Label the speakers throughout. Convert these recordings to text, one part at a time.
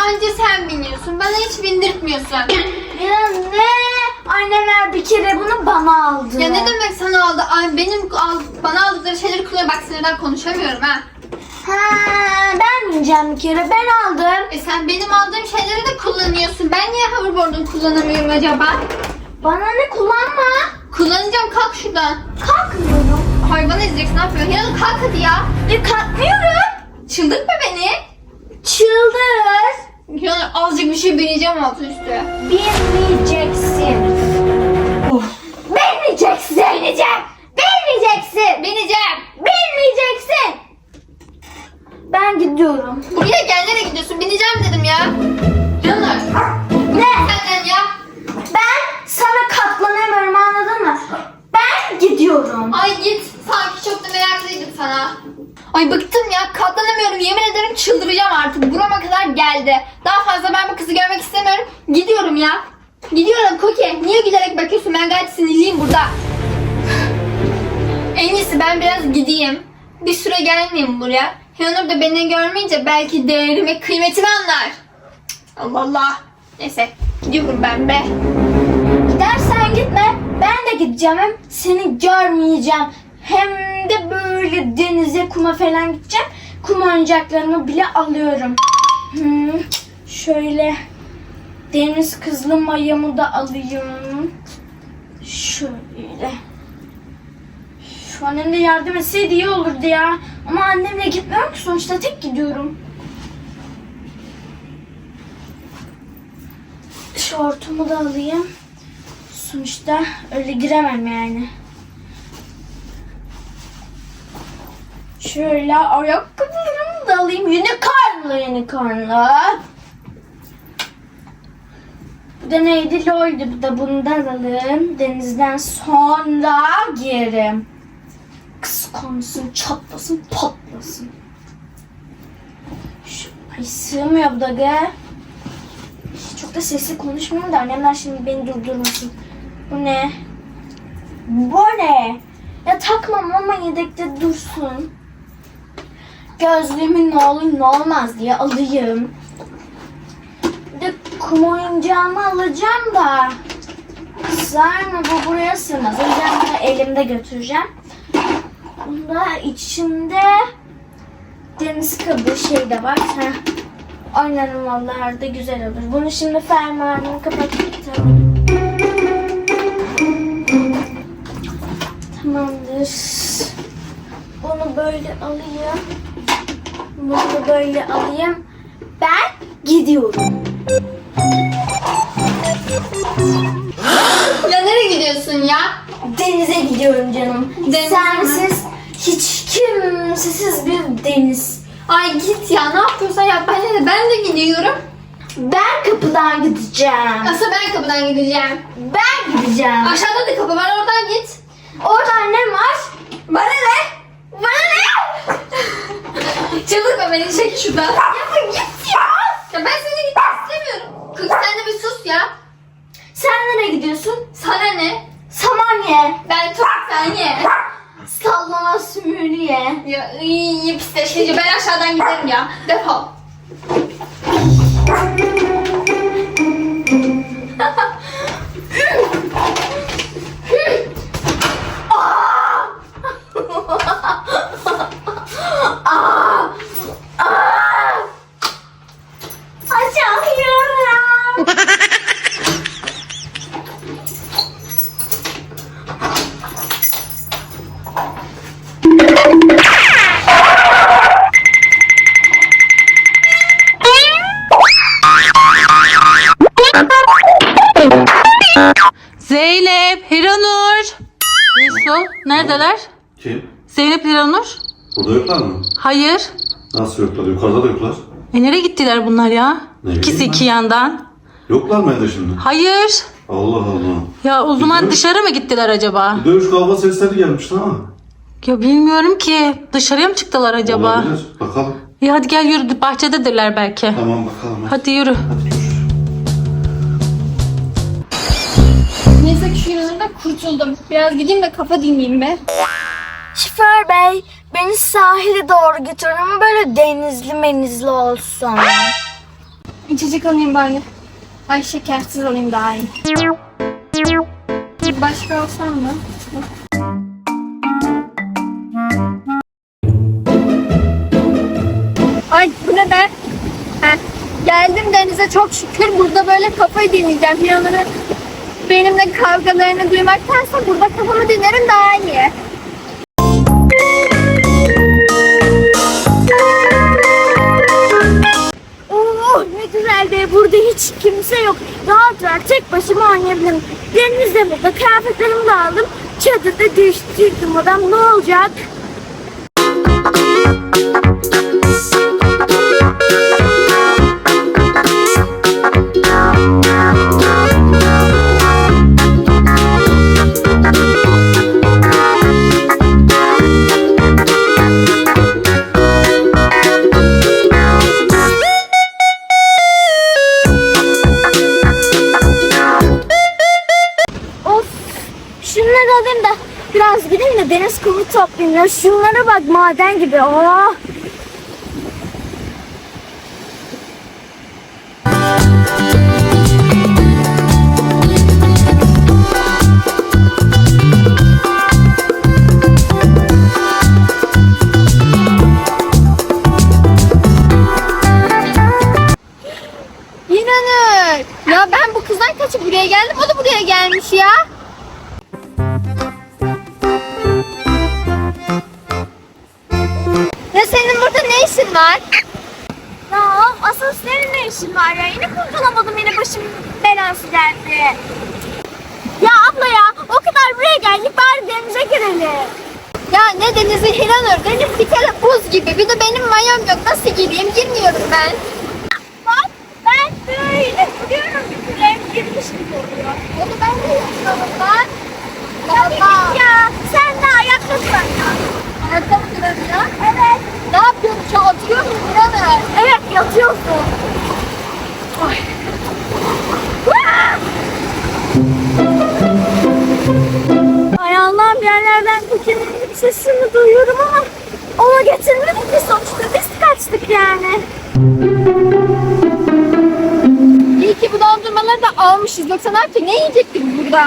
Speaker 1: anca sen biniyorsun. Bana hiç bindirtmiyorsun.
Speaker 2: Ya ne? Annemler bir kere bunu bana aldı.
Speaker 1: Ya ne demek sana aldı? Ay, bana aldıkları şeyleri kullanıyor. Bak sinirden konuşamıyorum ha.
Speaker 2: Ha, ben bineceğim bir kere. Ben aldım.
Speaker 1: Sen benim aldığım şeyleri de kullanıyorsun. Ben niye hoverboard'unu kullanamıyorum acaba?
Speaker 2: Bana ne, kullanma.
Speaker 1: Kullanacağım, kalk şuradan.
Speaker 2: Kalkmıyorum.
Speaker 1: Hayvan ezeceksin, ne yapıyorsun? Ya kalk hadi ya.
Speaker 2: Kalkmıyorum.
Speaker 1: Çıldırtma beni.
Speaker 2: Çıldır.
Speaker 1: Ya azıcık bir şey bineceğim altı üstü.
Speaker 2: Binmeyeceksin. Binmeyeceksin. Bineceğim. Binmeyeceksin.
Speaker 1: Bineceğim.
Speaker 2: Bilmeyeceksin. Ben gidiyorum.
Speaker 1: Buraya gel, nereye gidiyorsun? Bineceğim dedim ya. Canlar.
Speaker 2: Ne?
Speaker 1: Senden ya.
Speaker 2: Ben sana katlanamıyorum, anladın mı? Ben gidiyorum.
Speaker 1: Ay git. Sanki çok da meraklıydım sana. Ay bıktım ya. Katlanamıyorum. Yemin ederim çıldıracağım artık. Burama kadar geldi. Daha fazla ben bu kızı görmek istemiyorum. Gidiyorum ya. Gidiyorum Koki. Niye gülerek bakıyorsun? Ben gayet sinirliyim burada. En iyisi ben biraz gideyim. Bir süre gelmeyeyim buraya. Hiranur da beni görmeyince belki değerimi, kıymetimi anlar. Allah Allah. Neyse. Gidiyorum ben be.
Speaker 2: Gidersen gitme. Ben de gideceğim. Hem seni görmeyeceğim. Hem de böyle denize, kuma falan gideceğim. Kum oyuncaklarımı bile alıyorum. Şöyle deniz kızlı mayamı da alayım. Şöyle. Şu annem de yardım etseydi iyi olurdu ya. Ama annemle gitmiyorum ki, sonuçta tek gidiyorum. Şortumu da alayım. Sonuçta öyle giremem yani. Şöyle ayakkabılarımı da alayım. Unicornlu. Bu da neydi? Lol'du. Bu da bundan alalım. Denizden sonra giyerim. Kıskansın, çatlasın, patlasın. Ay sığmıyor bu da ge. Çok da sesli konuşmuyorum da annemler şimdi beni durdurmasın. Bu ne? Bu ne? Ya takmam ama yedekte dursun. Gözlüğümü ne olur ne olmaz diye alayım. Bir de kum oyuncağımı alacağım da. Sığar mı? Bu buraya sığmaz. O yüzden bunu elimde götüreceğim. Bunda içinde deniz kabuğu şey de var. Oynarım vallahi, da güzel olur. Bunu şimdi fermuarını kapatalım. Tamamdır. Bunu böyle alayım. Bunu da böyle alayım. Ben gidiyorum.
Speaker 1: Ya nereye gidiyorsun ya?
Speaker 2: Denize gidiyorum canım.
Speaker 1: Denize
Speaker 2: Sensiz, hiç kimsesiz bir deniz.
Speaker 1: Ay git ya, ne yapıyorsan yap. Ben de gidiyorum.
Speaker 2: Ben kapıdan gideceğim.
Speaker 1: Asıl ben kapıdan gideceğim.
Speaker 2: Ben gideceğim.
Speaker 1: Aşağıda da kapı var, oradan git.
Speaker 2: Orada annem var.
Speaker 1: Bana ne? Bana ne? Çıldırma beni, çekil şuradan.
Speaker 2: Ya git ya.
Speaker 1: Ya ben seni gitmek istemiyorum. Kız sen de bir sus ya.
Speaker 2: Sen nereye gidiyorsun?
Speaker 1: Sana ne?
Speaker 2: Samanya.
Speaker 1: Ben çok sen ye.
Speaker 2: Sallama sümürüye.
Speaker 1: Ya iyi pisleşici, ben aşağıdan giderim ya. Defol.
Speaker 2: Açamıyorum.
Speaker 3: Zeynep, Hiranur. Resul, neredeler?
Speaker 4: Kim?
Speaker 3: Zeynep, Hiranur.
Speaker 4: Burada yoklar mı?
Speaker 3: Hayır.
Speaker 4: Nasıl yoklar? Yukarıda da yoklar.
Speaker 3: Nereye gittiler bunlar ya?
Speaker 4: Ne
Speaker 3: İkisi
Speaker 4: bileyim
Speaker 3: iki
Speaker 4: ben.
Speaker 3: yandan.
Speaker 4: Yoklar mı evde şimdi?
Speaker 3: Hayır.
Speaker 4: Allah Allah.
Speaker 3: Ya o zaman
Speaker 4: Bilmiyorum.
Speaker 3: dışarı mı gittiler acaba?
Speaker 4: Bir dövüş kavga sesleri gelmişti ama.
Speaker 3: Ya bilmiyorum ki. Dışarıya mı çıktılar acaba?
Speaker 4: Olabilir. Bakalım.
Speaker 3: İyi hadi gel yürü. Bahçededirler belki.
Speaker 4: Tamam bakalım.
Speaker 3: Hadi yürü.
Speaker 4: Hadi görüşürüz.
Speaker 1: Neyse ki şu yanımda kurtuldum. Biraz gideyim de kafa dinleyeyim be.
Speaker 2: Şoför bey, beni sahile doğru götürün ama böyle denizli menizli olsun.
Speaker 1: İçecek alayım bari. Ay şekersiz alayım daha iyi. Başka alsam mı? Ay bu ne be? Heh, geldim denize çok şükür. Burada böyle kafayı dinleyeceğim. Yanları benimle kavgalarını duymaktansa burada kafamı dinlerim daha iyi.
Speaker 2: Oh ne güzel be, burada hiç kimse yok. Rahat rahat tek başıma oynayabilirim. Denizde burada kıyafetlerimi de aldım. Çadırda değiştirdim adam, ne olacak? Of, şunları alayım da biraz gideyim de deniz kumu toplayayım ya. Şunlara bak, maden gibi. Oh.
Speaker 1: İnanır. Ya ben bu kızdan kaçıp buraya geldim. O da buraya gelmiş ya. Ya senin burada ne işin var?
Speaker 2: Ya asıl senin ne işin var ya? Yine kurtulamadım, yine başım belası geldi. Ya abla ya, o kadar buraya geldik, bari denize girelim.
Speaker 1: Ya ne denizi Hiranur? Deniz bir kere buz gibi. Bir de benim mayom yok. Nasıl gireyim? Girmiyorum ben.
Speaker 2: Bak ben böyle duruyorum, bir kere girmiş gibi oluyor.
Speaker 1: Onu ben de yapıyorum ben.
Speaker 2: Tabii git ya, sen de ayakta dur.
Speaker 1: Ayakta mı duruyorum ya?
Speaker 2: Evet.
Speaker 1: Ne yapıyorum? Şu atıyor muyum Hiranur?
Speaker 2: Evet, yatıyorsun. Ay. Vaa! Ay Allah'ım, yerlerden Cookie'nin bir sesini duyuyorum ama ona getirmedik ki, sonuçta biz kaçtık yani.
Speaker 1: İyi ki bu dondurmaları da almışız. Yoksa ne yapacak? Ne yiyecektik burada?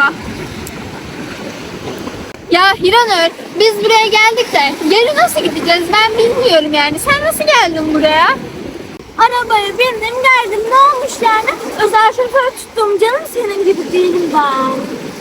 Speaker 1: Ya Hiranur, biz buraya geldik de geri nasıl gideceğiz ben bilmiyorum yani. Sen nasıl geldin buraya?
Speaker 2: Arabaya bindim geldim, ne olmuş yani? Özel şoför tuttum canım, senin gibi değilim ben.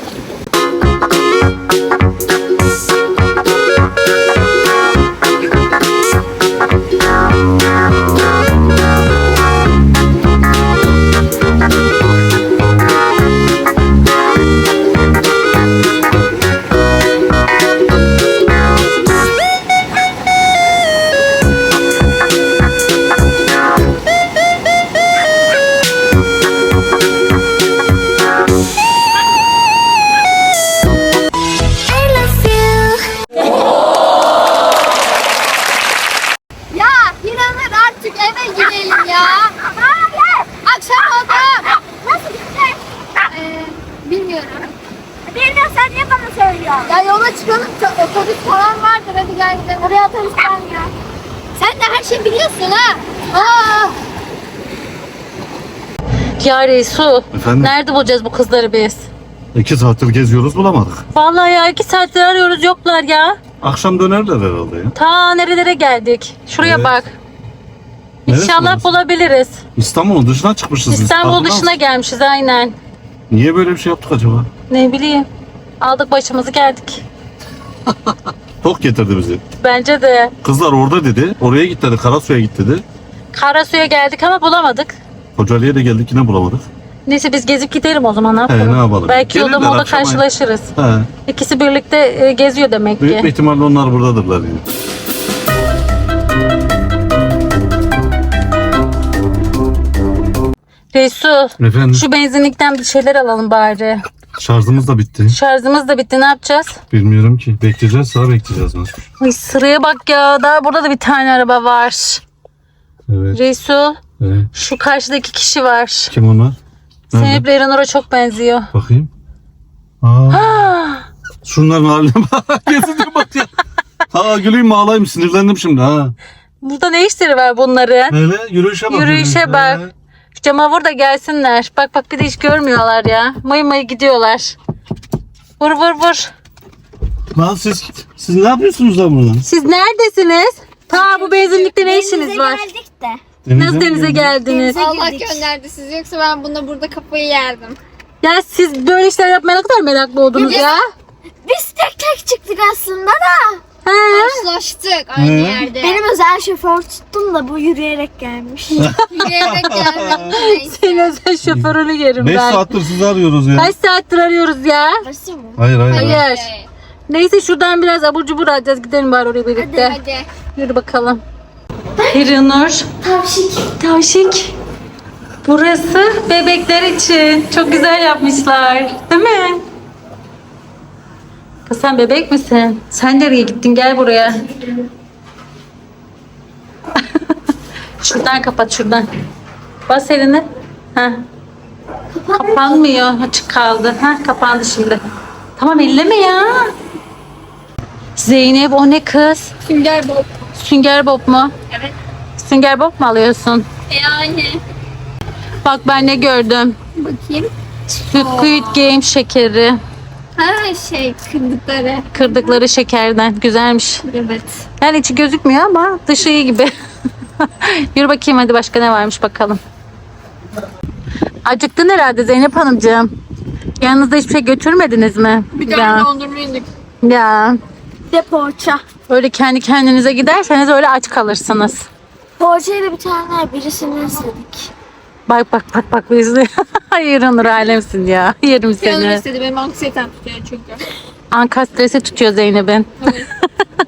Speaker 1: Ya Hiranur artık eve gidelim ya.
Speaker 2: Hayır!
Speaker 1: Akşam oldu.
Speaker 2: Nasıl gidecek?
Speaker 1: Bilmiyorum.
Speaker 2: Bilmiyorsan niye bana söylüyorsun?
Speaker 1: Ya yola çıkalım. Otobüs falan vardır. Hadi gel gidelim.
Speaker 2: Oraya otobüs gelmiyor.
Speaker 1: Sen de her şeyi biliyorsun ha. Aa.
Speaker 3: Ya Resul.
Speaker 4: Efendim?
Speaker 3: Nerede bulacağız bu kızları biz?
Speaker 4: 2 saattir geziyoruz bulamadık.
Speaker 3: Vallahi ya 2 saattir arıyoruz, yoklar ya.
Speaker 4: Akşam dönerler herhalde ya.
Speaker 3: Ta nerelere geldik. Şuraya
Speaker 4: Evet.
Speaker 3: bak.
Speaker 4: Neresi
Speaker 3: İnşallah
Speaker 4: orası?
Speaker 3: bulabiliriz.
Speaker 4: İstanbul'un dışına çıkmışız biz.
Speaker 3: İstanbul
Speaker 4: Farkında
Speaker 3: dışına
Speaker 4: mısın?
Speaker 3: gelmişiz aynen.
Speaker 4: Niye böyle bir şey yaptık acaba?
Speaker 3: Ne bileyim. Aldık başımızı geldik.
Speaker 4: Tok getirdi bizi.
Speaker 3: Bence de.
Speaker 4: Kızlar orada dedi. Oraya git dedi. Karasu'ya git dedi.
Speaker 3: Karasu'ya geldik ama bulamadık.
Speaker 4: Kocaeli'ye de geldik yine bulamadık.
Speaker 3: Neyse biz gezip gidelim o zaman, ne yapalım?
Speaker 4: ne yapalım?
Speaker 3: Belki yolda
Speaker 4: Gelirler
Speaker 3: molda
Speaker 4: akşam
Speaker 3: karşılaşırız.
Speaker 4: He.
Speaker 3: İkisi birlikte geziyor demek
Speaker 4: Büyük bir
Speaker 3: ki.
Speaker 4: ihtimalle onlar buradadırlar yani.
Speaker 3: Resul,
Speaker 4: Efendim?
Speaker 3: şu benzinlikten bir şeyler alalım bari.
Speaker 4: Şarjımız da bitti.
Speaker 3: Şarjımız da bitti, ne yapacağız?
Speaker 4: Bilmiyorum ki. Bekleyeceğiz. Daha bekleyeceğiz nasıl?
Speaker 3: Ay, sıraya bak ya, daha burada da bir tane araba var.
Speaker 4: Evet.
Speaker 3: Resul,
Speaker 4: Evet.
Speaker 3: şu karşıdaki kişi var.
Speaker 4: Kim onlar? Nerede?
Speaker 3: Zeynep Eleanor'a çok benziyor.
Speaker 4: Bakayım. Aa, şunların haline bak. Gezince bak ya. Ha güleyim mi ağlayayım, sinirlendim şimdi ha.
Speaker 3: Burada ne işleri var bunların?
Speaker 4: Hele yürüyüşe bak.
Speaker 3: Yürüyüşe bak. Şu cama vur da gelsinler. Bak bak bir de hiç görmüyorlar ya. Mayı mayı gidiyorlar. Vur vur vur.
Speaker 4: Lan siz ne yapıyorsunuz lan burada?
Speaker 3: Siz neredesiniz? Ta bu benzinlikte ne işiniz
Speaker 2: Denize
Speaker 3: var?
Speaker 2: geldik de.
Speaker 3: Nasıl denize geldiniz?
Speaker 2: Denize
Speaker 1: Allah
Speaker 2: girdik.
Speaker 1: gönderdi sizi, yoksa ben bunda burada kafayı yerdim.
Speaker 3: Ya siz böyle işler yapmaya ne kadar meraklı oldunuz ya?
Speaker 2: Biz tek tek çıktık aslında da.
Speaker 3: He?
Speaker 1: Karşılaştık aynı
Speaker 4: He.
Speaker 1: yerde.
Speaker 2: Benim özel şoför tuttum da bu yürüyerek gelmiş.
Speaker 1: Yürüyerek geldim. Neyse.
Speaker 3: Senin özel şoförünü yerim
Speaker 4: 5
Speaker 3: ben.
Speaker 4: saattir sizi arıyoruz ya.
Speaker 3: Kaç saattir arıyoruz ya?
Speaker 2: Burası mı?
Speaker 4: Hayır.
Speaker 3: Hayır. Neyse şuradan biraz abur cubur alacağız. Gidelim bari oraya birlikte.
Speaker 1: Hadi.
Speaker 3: Yürü bakalım. Hiranur.
Speaker 2: Tavşik.
Speaker 3: Tavşik. Burası bebekler için. Çok güzel yapmışlar. Değil mi? Kız sen bebek misin? Sen nereye gittin? Gel buraya. Şuradan kapat şuradan. Bas elini. Heh. Kapanmıyor. Açık kaldı. Heh, kapandı şimdi. Tamam elleme ya. Zeynep o ne kız?
Speaker 1: Sünger Bob.
Speaker 3: Sünger Bob mu?
Speaker 1: Evet.
Speaker 3: Sünger Bob mu alıyorsun?
Speaker 1: Yani.
Speaker 3: Bak ben ne gördüm.
Speaker 1: Bakayım.
Speaker 3: Squid Game şekeri.
Speaker 1: Ha kırdıkları.
Speaker 3: Kırdıkları şekerden. Güzelmiş.
Speaker 1: Evet.
Speaker 3: Yani içi gözükmüyor ama dışı iyi gibi. Yürü bakayım hadi başka ne varmış bakalım. Acıktın herhalde Zeynep Hanımcığım. Yanınızda hiçbir şey götürmediniz mi?
Speaker 1: Bir
Speaker 3: Ya.
Speaker 1: tane dondurma yedik.
Speaker 3: Ya.
Speaker 2: Bir de poğaça.
Speaker 3: Öyle kendi kendinize giderseniz öyle aç kalırsınız.
Speaker 2: Poğaçayla bir tane birisini istedik.
Speaker 3: Bak bak bak bak bizi. Hayır Onur alemsin ya. Yerim
Speaker 1: Canım
Speaker 3: seni.
Speaker 1: istedi, benim anksiyetem tutuyor çünkü.
Speaker 3: Anka stresi tutuyor Zeynep'in.